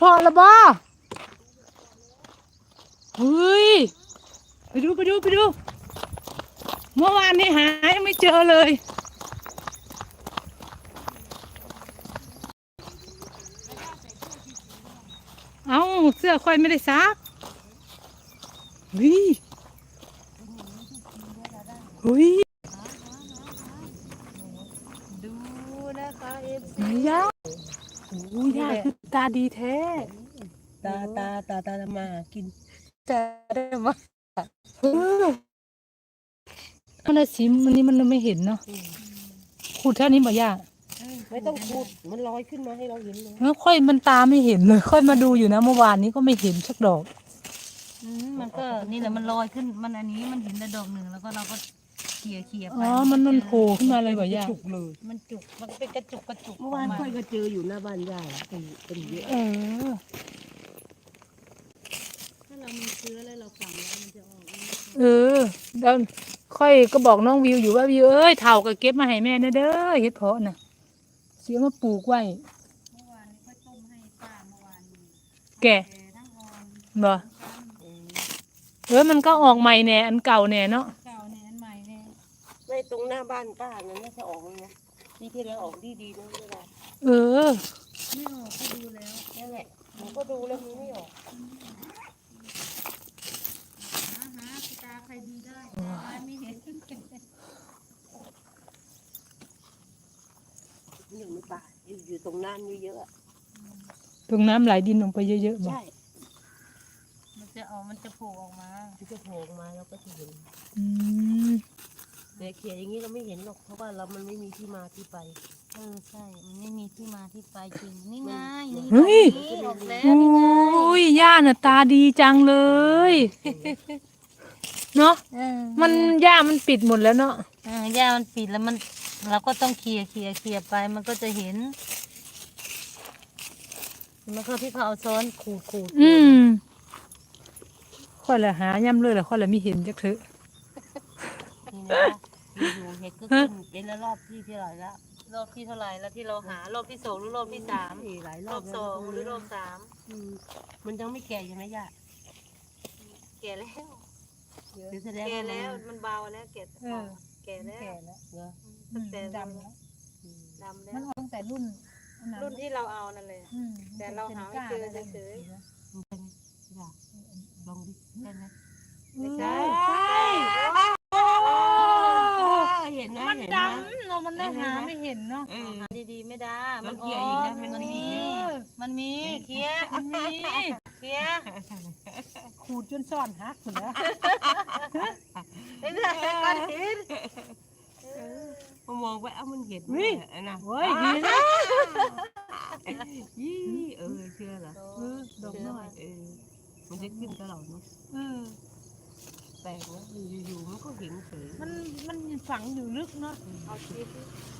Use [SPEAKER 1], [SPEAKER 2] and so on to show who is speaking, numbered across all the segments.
[SPEAKER 1] พอแล้วบ่เฮ้ยไปดูเมื่อวานนี้หายังไม่เจอเลยเอ้าเสื้อค่อยไม่ได้ซักเฮ้ยเฮ้ย
[SPEAKER 2] ดูนะคะเอฟ
[SPEAKER 1] ไหน
[SPEAKER 2] ซี
[SPEAKER 1] ย่าโอ้ย่าคือตาดีแท้
[SPEAKER 2] ตามากินจะได้มา
[SPEAKER 1] เออมันน่ะสิมันนี้มันไม่เห็นเนาะขูดแค่นี้บ่ย่า
[SPEAKER 2] ไม่ต้องขุดมันลอยขึ้นมาให้เราเห็นเลย
[SPEAKER 1] แล้วค่อยมันตาไม่เห็นเลยค่อยมาดูอยู่นะเมื่อวานนี้ก็ไม่เห็นสักดอก
[SPEAKER 3] มันก็นี่แหละมันลอยขึ้นมันอันนี้มันเห็นแต่ดอกหนึ่งแล้วก็เราก็เขี่ยไป
[SPEAKER 1] อ๋อมันโผล่ขึ้นมาเลยบ่ย่า
[SPEAKER 2] จุกเลย
[SPEAKER 3] มันจุกมันเป็นกระจุก
[SPEAKER 2] เมื่อวานค่อยก็เจออยู่หน้าบ้านยายเป็นเยอะ
[SPEAKER 1] เออ
[SPEAKER 3] ถ้าเรามีเชื้อแล้วเราฝังแล้วมันจะออก
[SPEAKER 1] เออแล้วค่อยก็บอกน้องวิวอยู่ว่าวิวเอ้ยเถ่าก็เก็บมาให้แม่นะเด้อเฮ็ดเพาะน่ะเสียมาปลูกไว้
[SPEAKER 3] เมื่อวานนี้ค่อยต้มให้ป้าเมื่อวานนี้
[SPEAKER 1] แก่
[SPEAKER 3] แต่ทั้งออน
[SPEAKER 1] บ่มันก็ออกใหม่แน่อันเก่าแน่เนาะ
[SPEAKER 3] เก่าเนี่ยอันใหม่เนี่ย
[SPEAKER 2] ไม่ตรงหน้าบ้านป้านั้นน่าจะออกเลยนะปีที่แล้วออกดีนะเวลา
[SPEAKER 1] เออ
[SPEAKER 3] ไม่ออกก็ดูแล้ว
[SPEAKER 2] นั่นแหละผมก็ดูแล้วมันไม่ออก
[SPEAKER 3] หาตาใครดีได้ไม่เห็น
[SPEAKER 2] อยู่ในป่าอยู่ตรงนั้นเยอะ
[SPEAKER 1] ตรงน้ำไหลดินลงไปเยอะๆบ่
[SPEAKER 2] ใช่
[SPEAKER 3] มันจะโผล่ออกมา
[SPEAKER 2] ที่จะโผล่มาเราก็จะเห็น
[SPEAKER 1] อืม
[SPEAKER 2] แต่เขียนอย่างนี้เราไม่เห็นหรอกเพราะว่าเรามันไม่มีที่มาที่ไป
[SPEAKER 3] ใช่มันไม่มีที่มาที่ไปจริงนี่ไงนี่
[SPEAKER 1] เฮ้ย
[SPEAKER 3] ออกแล้ว
[SPEAKER 1] โอ้ยย่าน่ะตาดีจังเลยเนาะมันย่ามันปิดหมดแล้วเนาะ
[SPEAKER 3] หญ้ามันปิดแล้วมันเราก็ต้องเคลียไปมันก็จะเห็นมันก็ที่เขาเอาซ้อนขูด
[SPEAKER 1] อืมค่อยละหาย่ำเลยละค่อยละไม่เห็นจักเถอะ
[SPEAKER 3] นี่นะอยู่เห็ดก็ขึ้นเป็นแล้วรอบที่เท่าไหร่แล้วรอบที่เท่าไหร่แล้วที่เราหารอบที่สองหรือรอบที่สาม
[SPEAKER 2] หลายร
[SPEAKER 3] ร
[SPEAKER 2] อ
[SPEAKER 3] อ
[SPEAKER 2] บบ
[SPEAKER 3] สองหรือรอบสาม
[SPEAKER 2] มันยังไม่แก่ยังไงย่า
[SPEAKER 3] แก่แล้ว
[SPEAKER 2] เดี๋ยวแสดง
[SPEAKER 3] แก่
[SPEAKER 2] ว่า
[SPEAKER 3] แล้วมันเบาแล้วแก่แก่แล้ว
[SPEAKER 2] เหรอ
[SPEAKER 3] ตั้งแต่
[SPEAKER 1] ดำแล้ว
[SPEAKER 3] ดำแล้
[SPEAKER 1] มัน
[SPEAKER 3] ว
[SPEAKER 1] ออกตั้งแต่รุ่น
[SPEAKER 3] รุ่นที่เราเอานั่นเลยแต่เราหาไม่เจอเฉย
[SPEAKER 2] มันเป็นย่าลองดิได้ไหม
[SPEAKER 3] ๆไม่ใช่
[SPEAKER 2] เห็นนะ
[SPEAKER 1] มัน
[SPEAKER 2] เห็น
[SPEAKER 1] ด
[SPEAKER 2] นะ
[SPEAKER 1] ำเรามันได้หาไม่เห็นเนาะ
[SPEAKER 3] หาดีๆไม่ได้
[SPEAKER 2] มันเกี่ยอีกนะมันมี
[SPEAKER 3] มันมีเคลียร์
[SPEAKER 1] มันมี
[SPEAKER 3] เคลียร์
[SPEAKER 1] ขูดจนซ่อนหักหมดแล้ว
[SPEAKER 3] ไม่ใช่ก้อนหิน
[SPEAKER 2] พอมองไปเอ้ามันเห็นนะ
[SPEAKER 1] เฮ้ยดีนะ
[SPEAKER 2] ยี่เชื่อเหรอ
[SPEAKER 1] ดอกน้อย
[SPEAKER 2] มันจะขึ้นตลอดเนาะ
[SPEAKER 1] เออ
[SPEAKER 2] แปลกนะอยู่ๆมันก็เห็นเฉย
[SPEAKER 1] มันฝังอยู่ลึกเนาะ
[SPEAKER 3] เอาชีส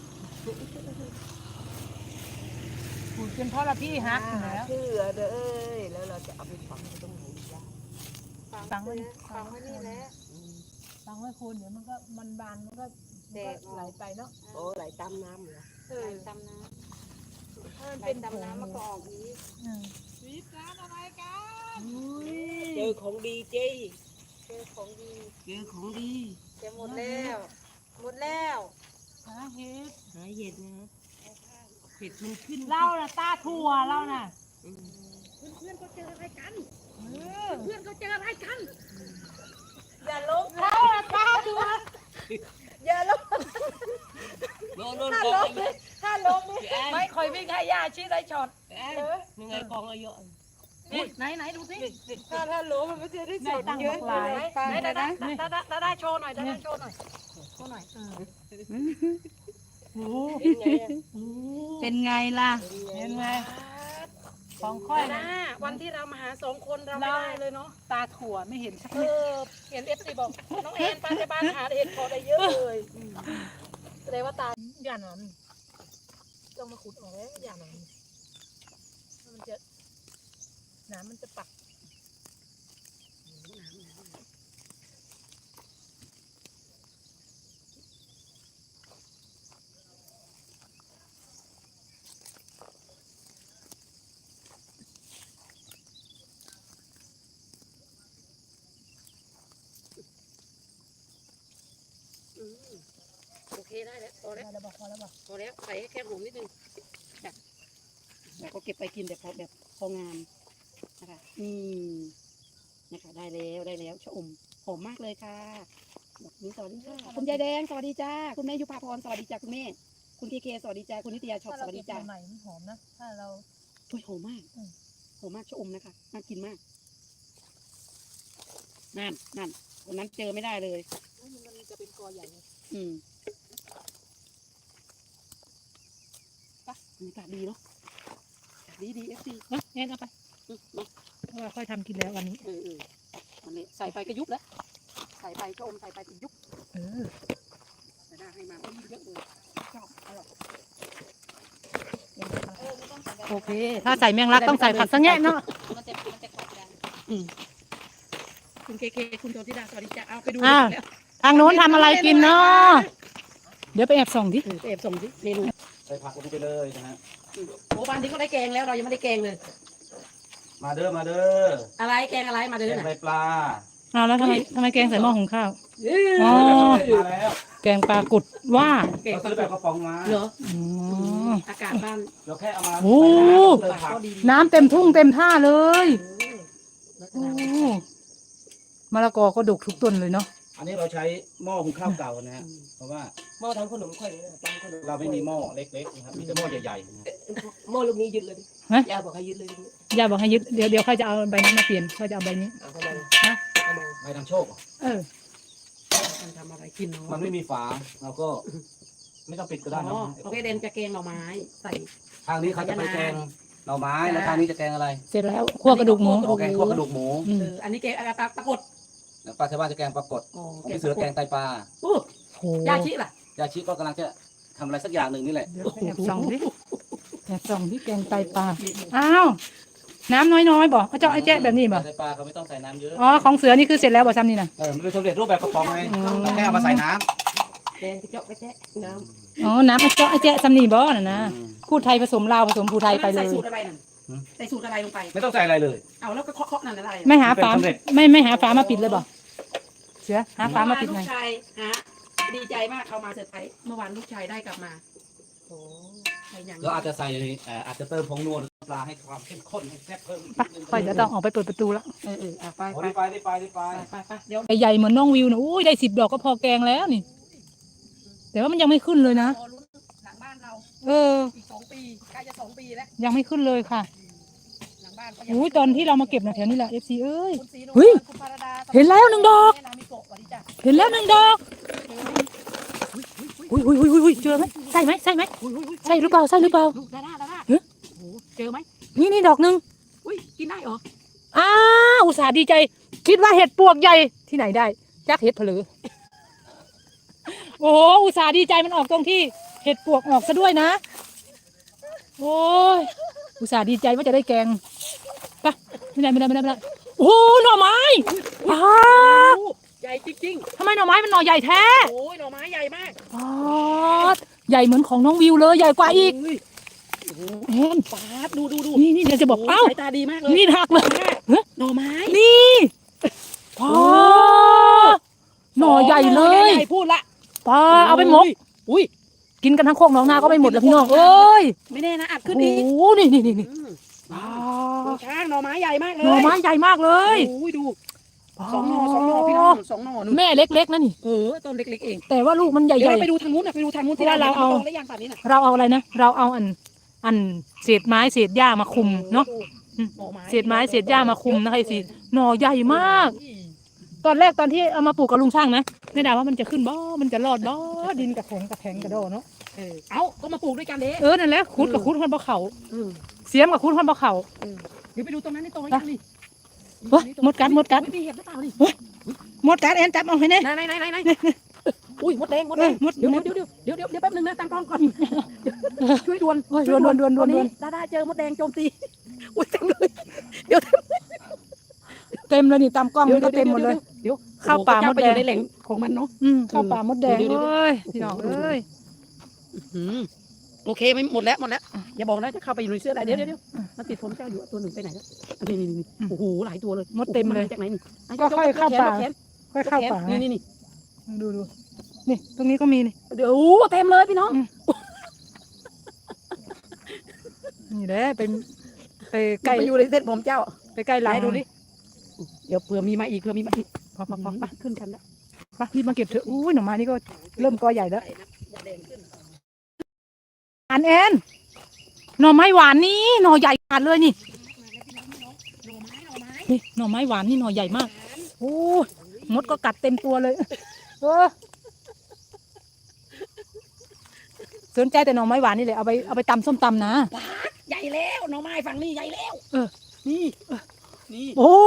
[SPEAKER 1] ขูดจนพ่อละพี่หักหมดแล้ว
[SPEAKER 2] เชื่อเด้อแล้วเราจะเอาไปฝังตรงไหนย่า
[SPEAKER 3] ฝังไว้นี่แหละ
[SPEAKER 1] ฝังไว้คูณเดี๋ยวมันก็มันบานมันก็ไหลไปเนาะ
[SPEAKER 2] โอ้ไหลตามน้ำเหรอ
[SPEAKER 3] ไหลตามน้ำถ้ามัน
[SPEAKER 1] เป็
[SPEAKER 3] เป็น น
[SPEAKER 1] ผง
[SPEAKER 3] ตำน้ำมันก็ออกอีก
[SPEAKER 1] วิบร้านอะไรกัน
[SPEAKER 2] เจอของดีเจ้
[SPEAKER 3] เจอของดี
[SPEAKER 2] เจอของดี
[SPEAKER 3] เจอหมดแล้วหมดแล้ว
[SPEAKER 1] หาเห็ด
[SPEAKER 2] หาเห็ดนะเห็ดมันขึ้น
[SPEAKER 1] เล่าน่ะตาถั่วเล่าน่ะ
[SPEAKER 3] เพื่อนก็เจออะไรกัน
[SPEAKER 1] เออ
[SPEAKER 3] เพื่อนก็เจออะไรกัน
[SPEAKER 1] อย่าลบเล่าน่ะตาถั่ว
[SPEAKER 3] อย่าลง
[SPEAKER 2] โดนกองเลย
[SPEAKER 1] ถ้าลบนี่ไม่ค่อยวิ่งให้ยาชี้ได้ช็อต
[SPEAKER 2] ยังไงกองอายุ
[SPEAKER 3] ไหนดูสิ
[SPEAKER 1] ถ้าลบมันไม่จะได้ช็อตเยอะหลาย
[SPEAKER 3] ได้โชว์หน่อยได้โชว์หน่อยโชว์หน่อย
[SPEAKER 1] โอ้
[SPEAKER 3] เป็นไงล่ะ
[SPEAKER 1] เห็นไหมของค่อยนะ
[SPEAKER 3] วันที่เรามาหาสองคนเราไม่ได้เลยเนาะ
[SPEAKER 1] ตาถั่วไม่เห็นสัก
[SPEAKER 3] เอ
[SPEAKER 1] นิด
[SPEAKER 3] อเห็นเอฟซีบอกน้องแอนไปในบ้านหาเห็ดพอได้เยอะเลยแสดงว่าตา
[SPEAKER 1] อย่านั้น
[SPEAKER 3] ต้องมาขุดออกแล้วอย่างนั้นมันจะน้ำมันจะปัก
[SPEAKER 2] แล้ว
[SPEAKER 1] แล้วบอกพอแล้วบอก
[SPEAKER 2] พอแล้วใส่แค่หอมนิดนึงจ้ะแล้วก็เก็บไปกินแบบพองามนะคะนี่นะคะได้แล้วชะอมหอมมากเลยค่ะแบบนี้สวัสดีค่ะคุณยายแดงสวัสดีจ้าคุณแม่ยุพาพรสวัสดีจ้าคุณแม่คุณเคสวัสดีจ้าคุณนิตยาชอบ
[SPEAKER 1] ถ้า
[SPEAKER 2] ส
[SPEAKER 1] เรา
[SPEAKER 2] วัส
[SPEAKER 1] เก็
[SPEAKER 2] ดี
[SPEAKER 1] บ
[SPEAKER 2] จ้า
[SPEAKER 1] ใหม่ๆมันหอมนะถ้าเรา
[SPEAKER 2] อุ้ยหอมมากหอมมากชะอมนะคะน่ากินมากนั่นวันนั้นเจอไม่ได้เลย
[SPEAKER 1] มันจะเป็นกอใหญ่
[SPEAKER 2] บรรยากาศดีเนาะดีเอฟซี
[SPEAKER 1] นะแอนเอาไปเพราะว่าค่อยทำกินแล้ววันนี้
[SPEAKER 2] มันเลยใส่ไปก็ยุบแล้วใส่ไปชะอมใส่ไปก็ยุบ
[SPEAKER 1] เออ
[SPEAKER 2] แต่ได้ให้มาเยอะเลยชอบอร่อย
[SPEAKER 1] โอเค ถ้าใส่แมงลักต้องใส่ผักสังแง่เนาะ
[SPEAKER 3] มันจะกรอบดัง
[SPEAKER 2] คุณเคคุณโจธิดาสวัสดีจ้าเอาไปดู
[SPEAKER 1] อ้าว
[SPEAKER 2] แล้ว
[SPEAKER 1] ทางโน้นทำอะไรกินเนาะเดี๋ยวไปแอบส่องดิ
[SPEAKER 2] ไปแอบส่งสิเมนู
[SPEAKER 4] ใส่ผักลงไปเลยนะฮะ
[SPEAKER 2] โอ้บ้านนี้ก็ได้แกงแล้วเรายังไม่ได้แกงเลย
[SPEAKER 4] มาเด้อ
[SPEAKER 2] อะไรแกงอะไรมาเดิ
[SPEAKER 4] แก
[SPEAKER 2] น
[SPEAKER 4] ง
[SPEAKER 2] น่ะ
[SPEAKER 4] ไตปลา
[SPEAKER 1] อ้าวแล้วทำไมแกงใส่หม้อหุงข้าว อ๋อ
[SPEAKER 4] มาแล้ว
[SPEAKER 1] แกงปลากุดว่า
[SPEAKER 2] แกง
[SPEAKER 4] เรา
[SPEAKER 2] ปลา
[SPEAKER 4] ซื้อแบบกระป๋องมา
[SPEAKER 2] เหรอ
[SPEAKER 1] อ๋อ
[SPEAKER 2] อากาศบ้าน
[SPEAKER 4] เราแค่เอามา
[SPEAKER 1] โอ้
[SPEAKER 4] ใส่น้ำเติมผัก
[SPEAKER 2] ก็ดี
[SPEAKER 1] น้ำเต็มทุ่งเต็มท่าเลย
[SPEAKER 2] ลักษ
[SPEAKER 1] โอ้
[SPEAKER 2] ณะ
[SPEAKER 1] มะละกอก็ดกทุกต้นเลยเนาะ
[SPEAKER 4] อันนี้เราใช้หม้อหุงข้าวเก่านะฮะเพราะว่า
[SPEAKER 2] หม้อทำขนมค่อยทำขนม
[SPEAKER 4] เราไม่มีหม้อเล็กๆนะครับมีแต่หม้อใหญ่ๆนะฮะ
[SPEAKER 2] หม้อลูกนี้ยึดเลย
[SPEAKER 1] ฮะ
[SPEAKER 2] ยาบอกให้ยึดเลย
[SPEAKER 1] ย่าบอกให้ยึดเดี๋ยวเขาจะเอาใบนี้มาเปลี่ยนเขาจะเอาใบนี้
[SPEAKER 2] เอาทำไม
[SPEAKER 1] ฮะ
[SPEAKER 2] เอามา
[SPEAKER 4] ไปทำโชคเหรอ
[SPEAKER 1] เออ
[SPEAKER 2] มันทำอะไรกินเนาะ
[SPEAKER 4] มันไม่มีฝาเราก็ไม่ต้องปิดก็ได้นะ
[SPEAKER 2] อ๋อเขาเดนจะแกงหน่อไม้ใส่
[SPEAKER 4] ทางนี้เขาจะไปแกงหน่อไม้แล้วทางนี้จะแกงอะไร
[SPEAKER 1] เสร็จแล้วคั่วกระดูกหมู
[SPEAKER 4] โอแกงคั่วกระดูกหมู
[SPEAKER 1] อืม
[SPEAKER 2] อันนี้แกงอะไรปลากด
[SPEAKER 4] แล้วป้าชาวบ้านจะแกงปลากด
[SPEAKER 2] อ๋อ
[SPEAKER 4] ของพี่เสือแกงไตปลา
[SPEAKER 2] โอ้
[SPEAKER 1] โห
[SPEAKER 2] ยาชิล่ะ
[SPEAKER 4] ยาชิก็กำลังจะทำอะไรสักอย่างหนึ่งนี่แหละ
[SPEAKER 1] เดี๋ยวไปแอบส่องดิแอบส่องที่แกงไตปลาอ้าวน้ำน้อยๆบอกเขาเจาะไอ้แจ๊ะแบบนี้บ่
[SPEAKER 4] ไตปลาเขาไม่ต้องใส่น้ำเยอะ
[SPEAKER 1] อ๋อของเสือนี่คือเสร็จแล้วบ่ซ้ำนี่นะ
[SPEAKER 4] มันเป็นสำเร็จรูปแบบกระป๋องไงเราแค่เอามาใส่น้ำ
[SPEAKER 2] แกงกระเจาะกระแจ๊ะน้
[SPEAKER 1] อ๋อน้ำไอ้เจาะไอ้แจ๊ะซ้ำนี่บ่น่ะนะ
[SPEAKER 4] อืม
[SPEAKER 1] พูดไทยผสมลาวผสมภูไทยไป
[SPEAKER 2] ำ
[SPEAKER 1] เล
[SPEAKER 2] ใส่
[SPEAKER 1] ย
[SPEAKER 2] สูตรอะไรนั่นใส่สูตรอะไรลงไป
[SPEAKER 4] ไม่ต้องใส่อะไรเลย
[SPEAKER 2] เอาแล้วก็เคาะนั่นอะไร
[SPEAKER 1] ไม่หาฝา
[SPEAKER 4] เป็นสำเร็จ
[SPEAKER 1] ไม่หาฝามาปิดเลยบ่เสือหาฝามาปิดห
[SPEAKER 2] ลู
[SPEAKER 1] น่อย
[SPEAKER 2] กชายฮะดีใจมากเอามาเสร็จไปเมื่อวานลูกชายได้กลับมาโอ้ใครอย่าง
[SPEAKER 4] แล้วอาจจะใส่อาจจะเติมผงนวลปลาให้ความเข้มข้นให้แซ่บเพิ่ม
[SPEAKER 1] ไปค่อยจะต้องออกไปเปิดประตูแล้ว
[SPEAKER 2] ไป
[SPEAKER 4] โอ้
[SPEAKER 2] ไป
[SPEAKER 4] ได้ไปได้ไป
[SPEAKER 2] ไปเดี๋ยว
[SPEAKER 1] ใหญ่ๆเหมือนน้องวิวนะอุ้ยได้10 ดอกก็พอแกงแล้วนี่ แต่ว่ามันยังไม่ขึ้นเลยนะ
[SPEAKER 2] รอลุ้นหลังบ้านเรา
[SPEAKER 1] เออ
[SPEAKER 2] อีก2 ปีใกล้จะ2 ปีแล้ว
[SPEAKER 1] ยังไม่ขึ้นเลยค่ะ
[SPEAKER 2] หลังบ้านก็ยัง
[SPEAKER 1] อุ้ยตอนที่เรามาเก็บนะแถวนี้แหละ FC เอ้ย
[SPEAKER 2] คุณศรีนวล
[SPEAKER 1] เฮ้ย
[SPEAKER 2] คุณพารดา
[SPEAKER 1] เห็นแล้ว1 ดอก
[SPEAKER 2] แม่นามิโกะสวัสดีจ้ะ
[SPEAKER 1] เห็นแล้ว1 ดอกอุ้ยเจอไหมใช่ไหมใช่หรือเปล่าใช่หรือเปล่า
[SPEAKER 2] ลูกดาด้า
[SPEAKER 1] เฮ้ย
[SPEAKER 2] โอ้โหเจอไหม
[SPEAKER 1] นี่ดอกหนึง
[SPEAKER 2] อุ้ยกินได้เหรอ
[SPEAKER 1] อ้าวอุตส่าห์ดีใจ คิดว่าเห็ดปวกใหญ่ที่ไหนได้จักเห็ดผลือโอ้อุตส่าห์ดีใจมันออกตรงที่เห็ดปวกออกซะด้วยนะโอ้ยอุตส่าห์ดีใจว่าจะได้แกงไปไม่ได้โอ้หน่อไม้อ้า
[SPEAKER 2] โอ้ใหญ่จริง
[SPEAKER 1] ทำไมหน่อไม้มันหน่อใหญ่แท้
[SPEAKER 2] ๆโอ้ยหน่อไม้ใหญ่มาก
[SPEAKER 1] อ๋อใหญ่เหมือนของน้องวิวเลยใหญ่กว่าอีก
[SPEAKER 2] โโห
[SPEAKER 1] เห็น
[SPEAKER 2] ปาดดู
[SPEAKER 1] นี่เดี๋ยวจะบอก
[SPEAKER 2] โโห
[SPEAKER 1] เอ้า
[SPEAKER 2] สายตาดีมากเลย
[SPEAKER 1] นี่หักเลยเฮ้ย
[SPEAKER 2] หน่อไม้
[SPEAKER 1] นี่อ๋อหน่อใหญ่เลย
[SPEAKER 2] ใหญ่พูดละ
[SPEAKER 1] ป้าเอาไปหมก
[SPEAKER 2] อุ้ย
[SPEAKER 1] กินกันทั้งโคกน้องนาก็ไม่หมดแล้วพี่น้องเอ้ย
[SPEAKER 2] ไม่แน่นะอัดขึ้น
[SPEAKER 1] โอ้
[SPEAKER 2] อีก
[SPEAKER 1] โหนี่
[SPEAKER 2] อืม
[SPEAKER 1] ป้า
[SPEAKER 2] ดูช้างหน่อไม้ใหญ่มากเลย
[SPEAKER 1] หน่อไม้ใหญ่มากเลย
[SPEAKER 2] โอ้ยดูสองหน่อพี่น้อง2 หน่อนู่น
[SPEAKER 1] แม่เล็กๆนะนี่
[SPEAKER 2] ต้นเล็กๆเอง
[SPEAKER 1] แต่ว่าลูกมันให
[SPEAKER 2] เดี๋ยว
[SPEAKER 1] ญ่
[SPEAKER 2] เราไปดูทางนู้นนะไปดูทางนู้นที่
[SPEAKER 1] เพราะว่าเราเอา
[SPEAKER 2] โตได้ยังป่านนี้น่ะ
[SPEAKER 1] ๆเราเอาอะไรนะเราเอาอันเศษไม้เศษหญ้ามาคุมเนาะ
[SPEAKER 2] หน่อไม้
[SPEAKER 1] เศษไม้เศษหญ้ามาคุมนะคะสิหน่อใหญ่มาก ตอนแรกตอนที่เอามาปลูกกับลุงช่างนะไม่ได้ว่ามันจะขึ้นบ่มันจะรอดบ่ดินกระแข็งกระโดดเนาะ
[SPEAKER 2] เอาก็มาปลูกด้วยกันเด้
[SPEAKER 1] นั่นแหละขุดกับขุดคนบ่เขา
[SPEAKER 2] เออ
[SPEAKER 1] เสียมกับขุดคนบ่เขา
[SPEAKER 2] เดี๋ยวไปดูตรงนั้นนี่โตหรือยังนี่
[SPEAKER 1] เฮ้ยมดกัด
[SPEAKER 2] อุ๊ยมีเห็ดหรือเปล่านี่
[SPEAKER 1] มดกัดแอนจับเอาให้แน่
[SPEAKER 2] ไหนอุ้ยมดแดง
[SPEAKER 1] เออมด
[SPEAKER 2] เดี๋ยวแป๊บนึงนะตั้งกล้องก่อนช่วยด่วน
[SPEAKER 1] โอ้ยด่วน
[SPEAKER 2] ตอนนี้ดาเจอมดแดงโจมตีอุ้ยเต็มเลยเดี๋ยว
[SPEAKER 1] เต็มเลยนี่ตามกล้องมันก็เต็มหมดเลย
[SPEAKER 2] เดี๋ยว
[SPEAKER 1] เข้าป่ามดแดง
[SPEAKER 2] ไปอยู่ในแหล่งของมันเนาะ
[SPEAKER 1] เข้าป่ามดแดง
[SPEAKER 2] เดี๋ยว
[SPEAKER 1] เอ้ยพี่น้องเอ้ย
[SPEAKER 2] โอเคไม่หมดแล้วอย่าบอกนะจะเข้าไปอยู่ในเสื้ออะไรเดี๋ยวมันติดผมเจ้าอยู่ตัวหนึ่งไปไหนแล้วนี่โอ้โหหลายตัวเลย
[SPEAKER 1] มดเต็มเลย
[SPEAKER 2] จากไหนนี่
[SPEAKER 1] ก็ค่อยเข้าป่า
[SPEAKER 2] แขน
[SPEAKER 1] ค่อยเข้าป่า
[SPEAKER 2] นี่
[SPEAKER 1] ดูนี่ตรงนี้ก็มีนี่
[SPEAKER 2] เดี๋ยวเต็มเลยพี่น้อง
[SPEAKER 1] นี่แหละเป็นไปใก
[SPEAKER 2] ไก่
[SPEAKER 1] ล้
[SPEAKER 2] อยู่ในเส้นผมเจ้า
[SPEAKER 1] ไปใกล้หลัง
[SPEAKER 2] ไหนดูดิเดี๋ยวเผื่อมีมาอีก
[SPEAKER 1] พอ
[SPEAKER 2] ไปขึ้นกันแล้ว
[SPEAKER 1] ไปรีบมาเก็บเถอะอุ้ยหน่อไม้นี่ก็เริ่มกอใหญ่แล้ว
[SPEAKER 2] อย่าแดงขึ้น
[SPEAKER 1] อันแอนหน่อไม้หวานนี่หน่อใหญ่ขาดเลยนี่ นี่หน่อไม้หวานนี่หน่อใหญ่มากโอ้ยมดก็กัดเต็มตัวเลยสนใจแต่หน่อไม้หวานนี่เลยเอาไปตำส้มตำนะ
[SPEAKER 2] ใหญ่แล้วหน่อไม้ฝั่งนี้ใหญ่แล้ว นี่นี่
[SPEAKER 1] โอ้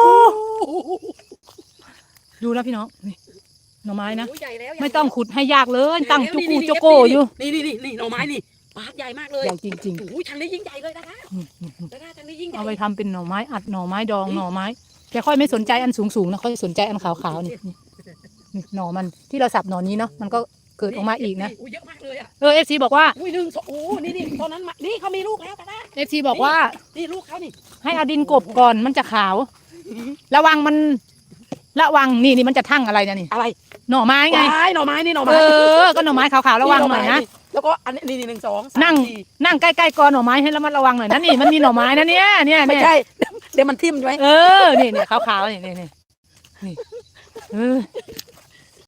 [SPEAKER 1] ดูนะพี่น้องนี่หน่อไม้นะ
[SPEAKER 2] ใหญ่แล้ว
[SPEAKER 1] ไม่ต้องขุดให้ยากเลยตั้งจุกูโจโกอยู่
[SPEAKER 2] นี่หน่อไม้นี่ปาดใหญ่มากเลย
[SPEAKER 1] ใหญ่จริง
[SPEAKER 2] โอ้ยทางนี้ยิ่งใหญ่เลยนะคะ
[SPEAKER 1] ๆ
[SPEAKER 2] นะคะทางนี้ยิ่งใหญ่
[SPEAKER 1] เอาไปทำเป็นหน่อไม้อัดหน่อไม้ดองหน่อไม้แกค่อยไม่สนใจอันสูงๆนะค่อยสนใจอันขาวๆนี่หน่อมันที่เราสับหน่อนี้เนาะมันก็เกิดออกมาอีกนะ
[SPEAKER 2] เยอะมากเลยอ่ะ
[SPEAKER 1] FC บอกว่า
[SPEAKER 2] อุ้ยหนึ่งสองโอ้นี่ตอนนั้นมานี่เขามีลูกแล้วกันนะ
[SPEAKER 1] FC บอกว่า
[SPEAKER 2] นี่ลูกเขานี่
[SPEAKER 1] ให้เอาดินกบก่อนมันจะขาว ระวังนี่มันจะทั่งอะไรนะนี่
[SPEAKER 2] อะไร
[SPEAKER 1] หน่อไม้ไง
[SPEAKER 2] หน่อไม้นี่หน่อ
[SPEAKER 1] เอ
[SPEAKER 2] ไม้
[SPEAKER 1] อก็หน่อไม้ขาวๆระวังหน่อยนะ
[SPEAKER 2] แล้วก็อันนี้1 2 3
[SPEAKER 1] นั่ง
[SPEAKER 2] 4
[SPEAKER 1] นั่งใกล้ๆกอหน่อไม้ให้ระมัดระวังหน่อยนะนี่มันมีหน่อไม้นะเนี่ย
[SPEAKER 2] ไม่ใช่เดี๋ยวมันทิ่มใช่ไหม
[SPEAKER 1] เออนี่ขาวๆนี่เออ